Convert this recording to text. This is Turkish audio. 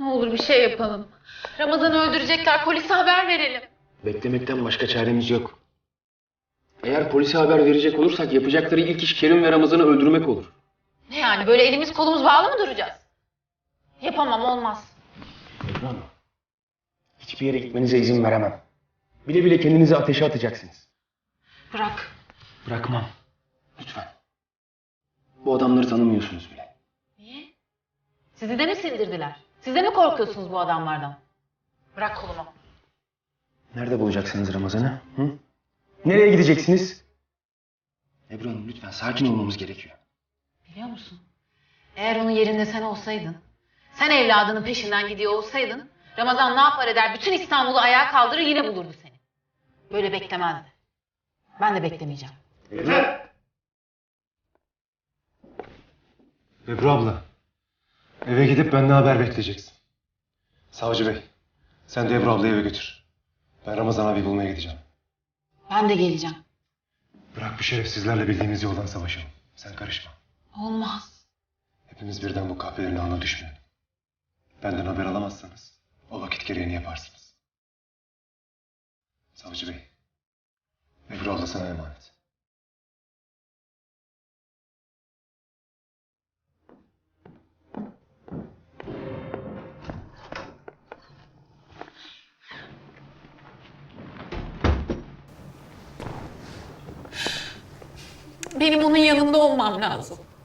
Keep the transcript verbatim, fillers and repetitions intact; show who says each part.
Speaker 1: olur bir şey yapalım. Ramazan'ı öldürecekler, polise haber verelim.
Speaker 2: Beklemekten başka çaremiz yok. Eğer polise haber verecek olursak yapacakları ilk iş Kerim ve Ramazan'ı öldürmek olur.
Speaker 1: Ne yani, böyle elimiz kolumuz bağlı mı duracağız? Yapamam, olmaz.
Speaker 2: Ebru Hanım, hiçbir yere gitmenize izin veremem. Bile bile kendinizi ateşe atacaksınız.
Speaker 1: Bırak.
Speaker 2: Bırakmam. Lütfen. Bu adamları tanımıyorsunuz bile.
Speaker 1: Niye? Sizi de mi sindirdiler? Siz de mi korkuyorsunuz bu adamlardan? Bırak kolumu.
Speaker 2: Nerede bulacaksınız Ramazan'ı? Hı? Nereye gideceksiniz? Ebru Hanım lütfen sakin olmamız gerekiyor.
Speaker 1: Biliyor musun? Eğer onun yerinde sen olsaydın, sen evladının peşinden gidiyor olsaydın, Ramazan ne yapar eder bütün İstanbul'u ayağa kaldırır yine bulurdu seni. Böyle beklemezdi. Ben de beklemeyeceğim.
Speaker 2: Yeter!
Speaker 3: Ebru abla, eve gidip benden haber bekleyeceksin. Savcı bey, sen de Ebru ablayı eve götür. Ben Ramazan abi bulmaya gideceğim.
Speaker 1: Ben de geleceğim.
Speaker 3: Bırak bu şerefsizlerle bildiğimiz yoldan savaşalım. Sen karışma.
Speaker 1: Olmaz.
Speaker 3: Hepimiz birden bu kahvelerin ağına düşmeyelim. Benden haber alamazsanız o vakit gereğini yaparsınız. Savcı bey, Ebru abla sana emanet.
Speaker 1: Benim onun yanında olmam lazım.